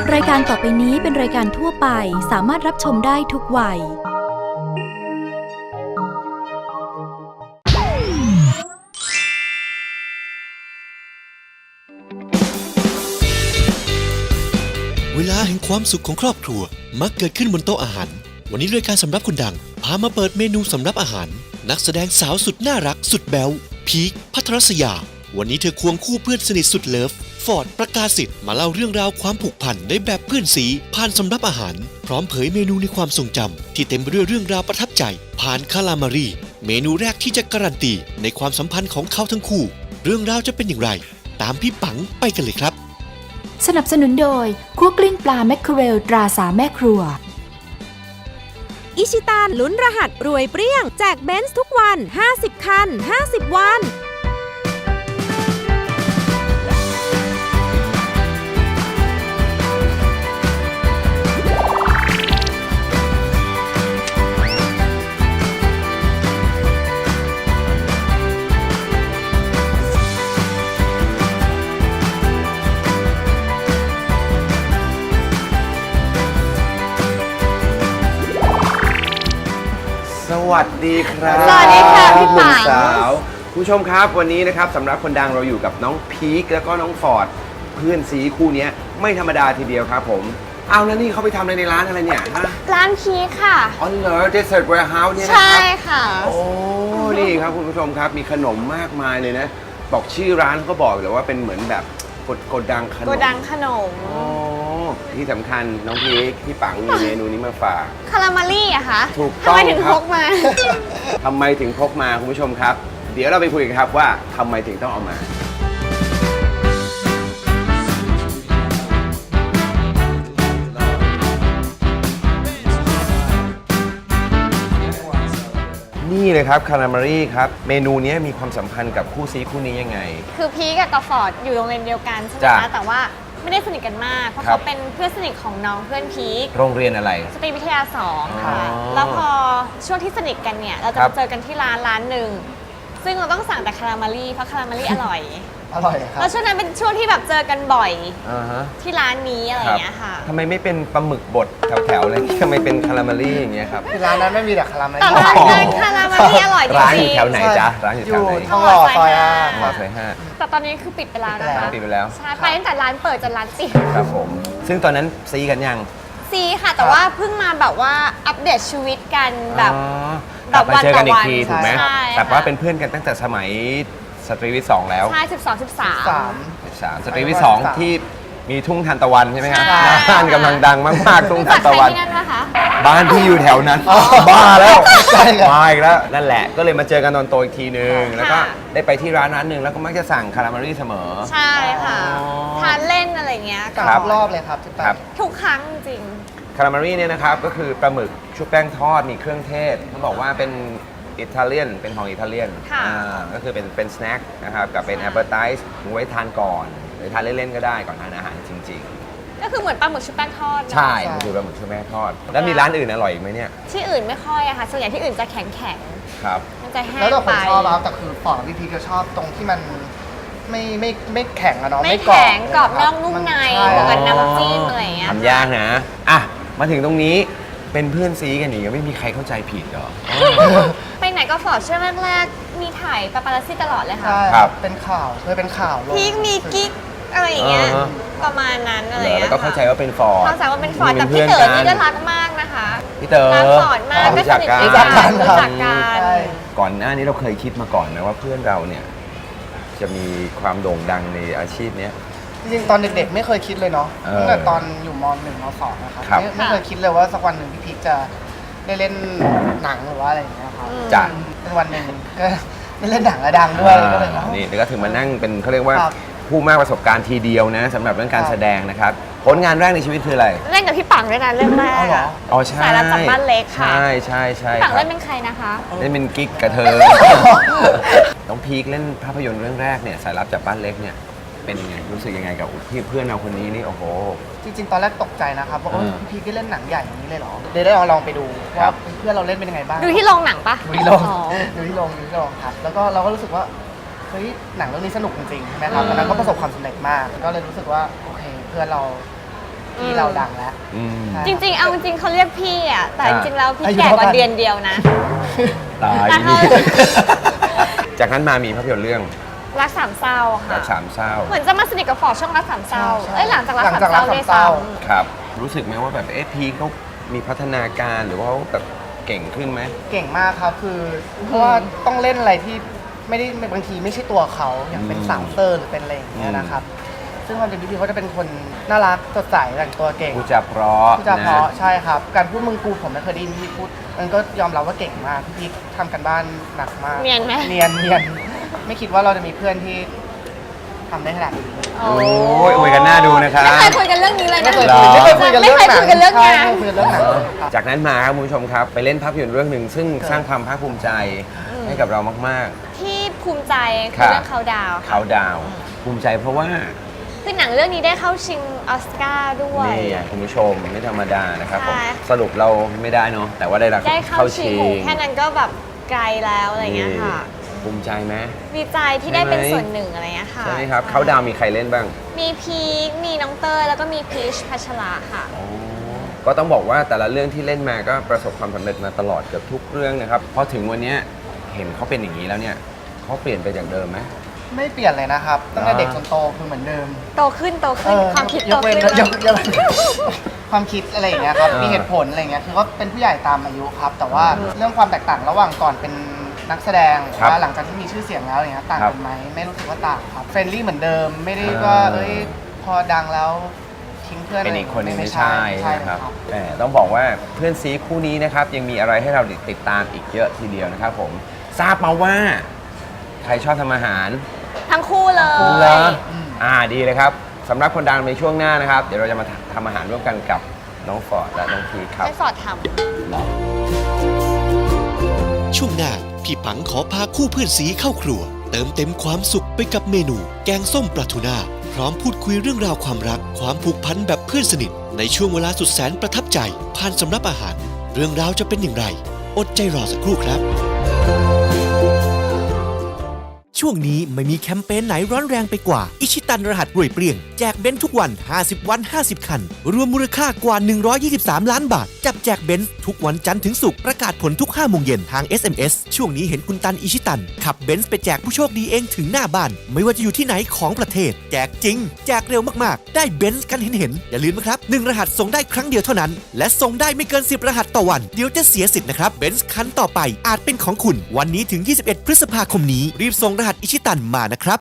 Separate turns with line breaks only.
รายการต่อไปนี้เป็นรายการทั่วไปสามารถรับชมได้ทุกวัย
เวลาแห่งความสุขของครอบครัวมักเกิดขึ้นบนโต๊ะอาหารวันนี้รายการสำรับคนดังพามาเปิดเมนูสำรับอาหารนักแสดงสาวสุดน่ารักสุดแบ๊วพีคภัทรศยาวันนี้เธอควงคู่เพื่อนสนิทสุดเลิฟฟอร์ดประกาศสิทธิ์มาเล่าเรื่องราวความผูกพันในแบบเพื่อนสีผ่านสำรับอาหารพร้อมเผยเมนูในความทรงจำที่เต็มไปด้วยเรื่องราวประทับใจผ่านคาลามารีเมนูแรกที่จะการันตีในความสัมพันธ์ของเขาทั้งคู่เรื่องราวจะเป็นอย่างไรตามพี่ปังไปกันเลยครับ
สนับสนุนโดยคั่วกลิ้งปลาแมคเคอเรลตราสามแม่ครัว
อิชิตันลุ้นรหัสรวยเปรี้ยงแจกเบนซ์ทุกวัน50คัน50วัน
สวัสดีครับ
สวัสดีค่ะพี่ปัง
สาวผู้ชมครับวันนี้นะครับสำหรับคนดังเราอยู่กับน้องพีคแล้วก็น้องฟอร์ดเพื่อนซีคู่นี้ไม่ธรรมดาทีเดียวครับผมเอาแล้วนี่เขาไปทำอะไรในร้านอะไรเนี่ยฮะ
ร้านพีคค่ะ
อ๋อเหรอ Desert Warehouse เนี่ยนะ
ใช่
ครับ
ค่ะ
โอ้นี่ครับคุณผู้ชมครับมีขนมมากมายเลยนะบอกชื่อร้านเขาก็บอกเลยว่าเป็นเหมือนแบบโกดังขนม
โกดังขนม
โอ้ที่สำคัญน้องพีคพี่ปังมีเมนูนี้มาฝาก
คารามารี่อะคะ
ถูกต้อง
ทำไมถึง
ครับ
พกมา
ทำไมถึงพกมาคุณผู้ชมครับ เดี๋ยวเราไปคุยกันครับว่าทำไมถึงต้องเอามานี่เลยครับคารามารีครับเมนูนี้มีความสัมพันธ์กับคู่ซีคู่นี้ยังไง
คือพีคกับฟอร์ดอยู่โรงเรียนเดียวกันใช่ไหม
จ้ะ
คะแต่ว่าไม่ได้สนิทกันมาก เพราะ
ครั
เขา
บ
เป็นเพื่อนสนิทของน้องเพื่อนพีค
โรงเรียนอะไร
สตรีวิทยา2ค่ะ
อ๋อ
แล้วพอช่วงที่สนิทกันเนี่ยเราจะ
ครับ
มาเจอกันที่ร้านหนึ่งซึ่งเราต้องสั่งแต่คารามารี่เพราะคารามารี่อร่อย
อร่อยครับ
แล้วช่วงนั้นเป็นช่วงที่แบบเจอกันบ่อย
อ่าฮะ
ที่ร้านนี้อะไรอย่างเงี้ยค่ะ
ทำไมไม่เป็นปลาหมึกบดแถวๆเลยทำไมเป็นคารามารีอย่างเงี้ยครับ
คือร้านนั้นไม่มีแต่คาราเมล
แต่ร้านนั้นคารามารี่อร่อยจริงๆ
ร้านอยู่แถวไหนจ๊ะร้านอยู่แถวไหน
ทองหล่อซอยห้า
หมอซอยห้า
แต่ตอนนี้คือปิดไปแล้วนะคะ
ปิดไปแล้ว
ใช่ไปตั้งแต่ร้านเปิดจนร้านปิด
ครับผมซึ่งตอนนั้นซีกันยัง
ซีค่ะ แต่ว่าเพิ่งมาแบบว่าอัปเดตชีวิตกันแบบ
อ๋อกลับมาเจอกันอีกทีถูกไหม
ใช่
แต่ว่าเป็นเพื่อนกันตั้งแต่สมัยสตรีวิทย์2แล้ว
ใช่12
สาม
13สตรีวิทย์2ที่มีทุ่งทานตะวันใช่ไหมครับ
ใช่
บ้านกำลังดังมากๆทุ่ง
13
ทานตะวัน
ที่นั่นปะคะ
บ้านที่อยู่แถวนั้นบ้าแล้ว
ใช่ครับ
มาอีกแล้วนั่นแหละก็เลยมาเจอกันตอนโตอีกทีนึง
ค่ะ
แล้วก็ได้ไปที่ร้านหนึ่งแล้วก็มักจะสั่งคาราเมลลี่เสมอ
ใช่ค่ะ
อ๋อ
ทานเล่นอะไรเงี้ย
สา
ครั
ม
บ
รอบเลยครับที่ไป
ครับ
ทุกครั้งจริง
คาราเมลลี่เนี่ยนะครับก็คือปลาหมึกชุบแป้งทอดมีเครื่องเทศเขาบอกว่าเป็นอิตาเลียนเป็นของอิตาเลียน
ค่ะ
ก็คือเป็นสแน็คนะครับกับเป็นแอปเปอร์ไทส์ไว้ทานก่อนหรือทานเล่นๆก็ได้ก่อนทานอาหารจริง
ก็คือเหมือนปลาหมึกชุบแป้งทอด
ๆ
เนอะ
ใช่มันคือปลาหมึกชุบแป้งทอด แล้วมีร้านอื่นอร่อยอีกไหมเนี่ย
ที่อื่นไม่ค่อยอะค่ะส่วนใหญ่ที่อื่นจะแข็ง
ครับ
มันจะแห้ง
แล้วแต่ค
ไป
นชอบครับแต่คือฟอร์ดพี่พีก็ชอบตรงที่มันไม่แข็งอะเนาะ
ไม่
กรอบ
แข็งกรอบนอกนุ่มใน
ใช่
บวกกับน้ำจิ้มอะไรอย่างเงี้ย
ทำยากนะอ่ะมาถึงตรงนี้เป็นเพื่อนซีกันอีกไม่มีใครเข้าใจผิดเหรอ
ไปไหนก็ฟอร์ดช่วงแรกๆมีถ่ายปาปารัสซี่ตลอดเลยค่ะ
ใช่
ครับ
เป็นข่าวเคยเป็นข่าวลง
พีคมีกิ๊กอะไรอย่างเงี้ย
อ่าฮะ
ประมาณนั้นอะไร
เหร
อย่า
อง
เงี้
แล้
ยว
ก็เข้าใจว่าเป็นฟอร์ด
เข้าใจว่าเป็นฟอร์ดแต่
ป็
พี่
พื่
เต๋อ
กั
นี่ก็รักมากนะคะ
พี่เต๋อ
รักฟอร์ดมากก็
รู้
ส
จัก
นิท
กัน
ด้วยกันรู้จักกัน
ใช่
ก่อนหน้านี้เราเคยคิดมาก่อนนะว่าเพื่อนเราเนี่ยจะมีความโด่งดังในอาชีพเนี้ย
จริงๆตอนเด็กๆไม่เคยคิดเลยเนาะ
เออ
ตั้งแต่ตอนอยู่ม .1 ม .2 นะครับ
ครับ
ไม่เคยคิดเลยว่าสักวันหนึ่งพี่พีจะได้เล่นหนังหรือว่าอะไรอย่างเงี้ยครับ
จ้ะ
เป็นวันหนึ่งก็ได้เล่นหนังแล้วดังด้วยก็เลย
นี่แล้วก็ถึงมานั่งเป็นเขาเรียกว่า
ครับ
ผู้มากประสบการณ์ทีเดียวนะสำหรับเรื่องการแสดงนะครับผลงานแรกในชีวิตคืออะไร
เล่นกับพี่ปังด้วยนะเรื่องแร
เอา
ก
เหรอ
อะ
อ๋อใช่
สายรับจากบ้านเล็กค่ะ
ใช่ใช่ใช่
พี่ปัง
ครั
เล่
บ
นเป็นใครนะคะ
เล่นเป็นกิ๊กกับเธอ น้องพีคเล่นภาพยนตร์เรื่องแรกเนี่ยสายลับจากบ้านเล็กเนี่ยเป็นยังไงรู้สึกยังไงกับเพื่อนเราคนนี้นี่โอ้โห
จริงๆ ตอนแรกตกใจนะครับว่า
เออ
พี่พีก็เล่นหนังใหญ่อย่างนี้เลยเหรอเลยได้ลองไปดู
ครั
ว่า
บ
เพื่อนเราเล่นเป็นยังไงบ้าง
ดูที่โรงหนังปะ
ดูที่โรง
อ๋อ
ดูที่โรงครับ แล้วก็เราก็รู้สึกว่าเฮ้ยหนังเรื่องนี้สนุกจริงๆใช่ไหมครับตอนนั้นก็ประสบความสำเร็จมาก ก็เลยรู้สึกว่าโอเคเพื่อนเราพี่เราดังแล้ว
อืม
ใช่
จริงๆ เอาจริงๆเขาเรียกพี่อ่ะ แต่จริงๆ แล้วพี่
อายุ
แก่กว่า
เท่ากัน
เดือนเดียวนะ
ตาย
แต่เขา
จากนั้นมามีภาพยนตร์เรื่อง
รักสามเศร้า
รั
ค่ะ
กสามเศร้า
เหมือนจะมาสนิทกับฟอร์ดช่วงรักสามเศร้า
ใช่
เอ้ยหลังจากรัก
หลัง
สาม
จาก
เศ
รั
ร้าก ด้วย
สามเศร้า
ซ้ำ
ครับ รู้สึกไหมว่าแบบพีคเขามีพัฒนาการหรือว่าเขาแบบเก่งขึ้นไหม
เก่งมากครับคือเพราะว่าต้องเล่นอะไรที่ไม่ได้บางทีไม่ใช่ตัวเขาอย่างเป็นสาวเตอร์หรือเป็นอะไรอย่างเงี้ยนะครับ ซึ่งความจริงพี่เขาจะเป็นคนน่ารักสดใสแต่งตัวเก่ง
ผู้จาเพราะ
พูดจาเพราะ
น
ใช่ครับ การพูดมึงกูผมไม่เคยได้ยินพี่พูดมันก็ยอมรับว่าเก่งมากพี่ทำกันบ้านหนักมาก
เนียนไหม
เนียนไม่คิดว่าเราจะมีเพื่อนที่ทำได้ขนาดนี้
โอ้ยอวยกันหน้าดูนะครับ
ไม่เคยคุยกันเรื่องนี้เลยนะ
ไม่เคย
หรอ
คุยกันเรื่องหนัง
ไม่เคยคุยกันเรื่องงาน
ใช่ไม่เคยคุยกันเรื่องหนังครับ
จากนั้นมาครับคุณผู้ชมครับ ไปเล่นภาพยนตร์เรื่องหนึ่งซึ่งสร้างความภาคภูมิใจให้กับเรามาก
ที่ภูมิใจ
ครั
คือบ เรื่องเขาดาว
ๆ
ค่ะ
เขาดาวน์ภูมิใจเพราะว่า
คือหนังเรื่องนี้ได้เข้าชิงออสการ์ด้วย
นี่ไงคุณผู้ชมไม่ธรรมดานะครับผม
ใช่
สรุปเราไม่ได้เนาะแต่ว่าได้รับ
ได้เข้าชิงโหแค่นั้นก็แบบไกลแล้วอะไรเงี้ยค่ะ
ภูมิใจไหม
ดีใจที่ได้เป็น
ใช่ไหม
ส่วนหนึ่งอะไรเงี้ยค่ะ
ใช่ไหมครับเขาดาวน์มีใครเล่นบ้าง
มีพีคมีน้องเตยแล้วก็มีพีชพัชราค่ะ
ก็ต้องบอกว่าแต่ละเรื่องที่เล่นมาก็ประสบความสำเร็จมาตลอดเกือบทุกเรื่องนะครับพอถึงวันเนี้ยเห็นเขาเป็นอย่างนี้แล้วเนี่ยเขาเปลี่ยนไปจากเดิมไหม
ไม่เปลี่ยนเลยนะครับตั้งแต่
อ่า
เด็กจนโตคือเหมือนเดิม
โตขึ้นความคิด
ย
โต
กเว้น
ขึ้น
ยกเว้นความคิดอะไรอย่างเงี้ยครับ มีเหตุผลอะไรเงี้ย คือก็เป็นผู้ใหญ่ตามอายุครับ แต่ว่าเรื่องความแตกต่างระหว่างก่อนเป็นนักแสดง
ครับ
ว่าหลังจากที่มีชื่อเสียงแล้วอย่างเงี้ยต่าง
ครั
กับ นไหมไม่รู้สึกว่าต่างครับ เฟรนลี่เหมือนเดิม ไม่ได้ว่า
อ่า
เอ้ยพอดังแล้วทิ้งเพื่อน
เป็นอีกคนหนึงไม่ใช่
ใช่
นะครับ
ครับ
แต่ต้องบอกว่าเพื่อนซีคู่นี้นะครับยังมีอะไรให้เราติดตามอีกเยอะทีเดียวนะครับผมทราบมาว่าใครชอบทำอาหาร
ทั้งคู่เล
เหรอย ดีเลยครับสำหรับคนดังในช่วงหน้านะครับ เดี๋ยวเราจะมาทำอาหารร่วมกันกับน้องฟอร์ดและน้องพีคครับ
ให้ฟอร์ดท
ช่วงหน้าพี่ปังขอพาคู่เพื่อนสีเข้าครัว เติมเต็มความสุขไปกับเมนู แกงส้มปลาทูน่าพร้อมพูดคุยเรื่องราวความรัก ความผูกพันแบบเพื่อนสนิท ในช่วงเวลาสุดแสนประทับใจ ผ่านสำรับอาหาร เรื่องราวจะเป็นอย่างไร อดใจรอสักครู่ครับ ช่วงนี้ไม่มีแคมเปญไหนร้อนแรงไปกว่า อิชิตันรหัสรวยเปรี้ยง แจกเบนซ์ทุกวัน 50 วัน 50 คัน รวมมูลค่ากว่า 123 ล้านบาท จับแจกเบนซ์ทุกวันจันทร์ถึงศุกร์ประกาศผลทุก 5 โมงเย็นทาง SMS ช่วงนี้เห็นคุณตันอิชิตัน ขับเบนซ์ไปแจกผู้โชคดีเองถึงหน้าบ้าน ไม่ว่าจะอยู่ที่ไหนของประเทศ แจกจริง แจกเร็วมากๆ ได้เบนซ์กันเห็นๆอย่าลืมนะครับ1รหัสส่งได้ครั้งเดียวเท่านั้น และส่งได้ไม่เกิน 10 รหัสต่อวันเดี๋ยวจะเสียสิทธิ์นะครับเบนซ์คันต่อไปอาจเป็นของคุณวันนี้ถึง 21 พฤษภาคมนี้รีบส่งรหัสอิชิตันมานะครับ